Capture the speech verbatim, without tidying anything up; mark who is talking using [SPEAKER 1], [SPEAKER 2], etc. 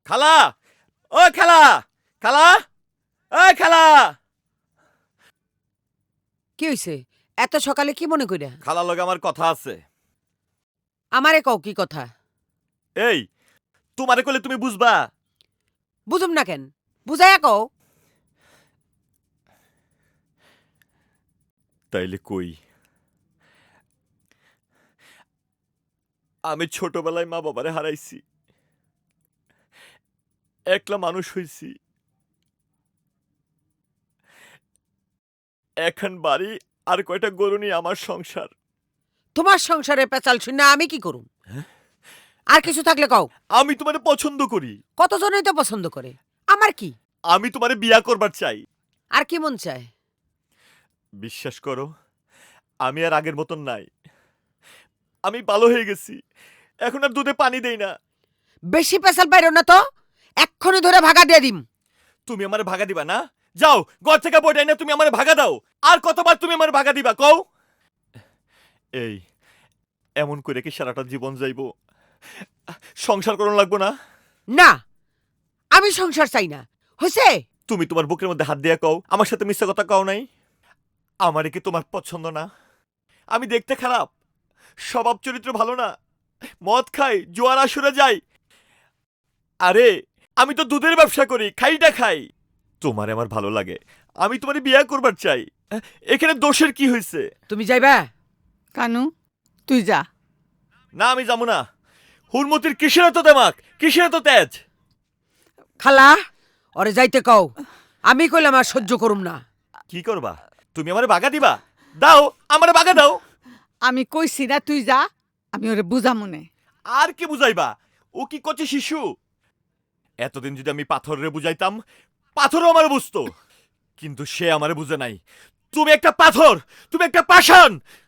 [SPEAKER 1] খালা, ও খালা, খালা, ও খালা।
[SPEAKER 2] কি হইছে? এত সকালে কি মনে কইরা?
[SPEAKER 1] খালার লগে আমার কথা আছে।
[SPEAKER 2] আমারে কও কি কথা?
[SPEAKER 1] এই, তোমারে কইলে তুমি বুঝবা?
[SPEAKER 2] বুঝুম না কেন? বুঝাইয়া কও।
[SPEAKER 1] তাইলে কই। আমি ছোটবেলায় মা বাবারে হারাইছি। একলা মানুষ হইছি। এখন বাড়ি আর কয়টা গরু নিয়ে আমার সংসার।
[SPEAKER 2] তোমার সংসারে পেঁচাল শুনে আমি কি করুম? আর কিছু থাকলে কও।
[SPEAKER 1] আমি তোমারে পছন্দ করি।
[SPEAKER 2] কতজনই তো পছন্দ করে। আমার কি?
[SPEAKER 1] আমি তোমারে বিয়া করবার চাই।
[SPEAKER 2] আর কি মন চায়?
[SPEAKER 1] বিশ্বাস করো, আমি আর আগের মতন নাই। আমি ভালো হয়ে গেছি। এখন আর দুধে পানি দেই না।
[SPEAKER 2] বেশি পেঁচাল পাইরো না তো। এক্ষুনি ধরে ভাগা দিয়ে দিম।
[SPEAKER 1] তুমি আমারে ভাগা দিবা না? যাও, ঘর থেকে বইটাই না, তুমি আমারে ভাগা দাও। আর কতবার তুমি আমারে ভাগা দিবা কও? এই, এমন করে কি সারাটা জীবন যাইবো? সংসার করন লাগবো না?
[SPEAKER 2] না, আমি সংসার চাই না। হইছে?
[SPEAKER 1] তুমি তোমার বুকের মধ্যে হাত দিয়া কও, আমার সাথে মিথ্যা কথা কও নাই? আমারে কি তোমার পছন্দ না? আমি দেখতে খারাপ, স্বভাব চরিত্র ভালো না, মদ খাই, জোয়ার আসরে যাই। আরে, আমি তো দুধের ব্যবসা করি, খাইটা খাই। তোমারে আমার ভালো লাগে, আমি তোমারে বিয়ে করবার চাই। এখানে দোষের কি হয়েছে?
[SPEAKER 2] তুমি যাইবা?
[SPEAKER 3] কানু তুই যা।
[SPEAKER 1] না, আমি যাবো না। হুরমতির কিসের এত দেমাক, কিসের এত তেজ?
[SPEAKER 2] খালা, ওরে যাইতে কও। আমি কইলাম আর সহ্য করুম না।
[SPEAKER 1] কি করবা? তুমি আমারে বাগা দিবা? দাও, আমারে বাগা দাও।
[SPEAKER 3] আমি কইছি না তুই যা, আমি ওরে বুঝামুনে।
[SPEAKER 1] আর কি বুঝাইবা? ও কি করছে শিশু? এতদিন যদি আমি পাথরে বুঝাইতাম, পাথরও আমারে বুঝতো। কিন্তু সে আমারে বুঝে নাই। তুমি একটা পাথর, তুমি একটা পাষাণ।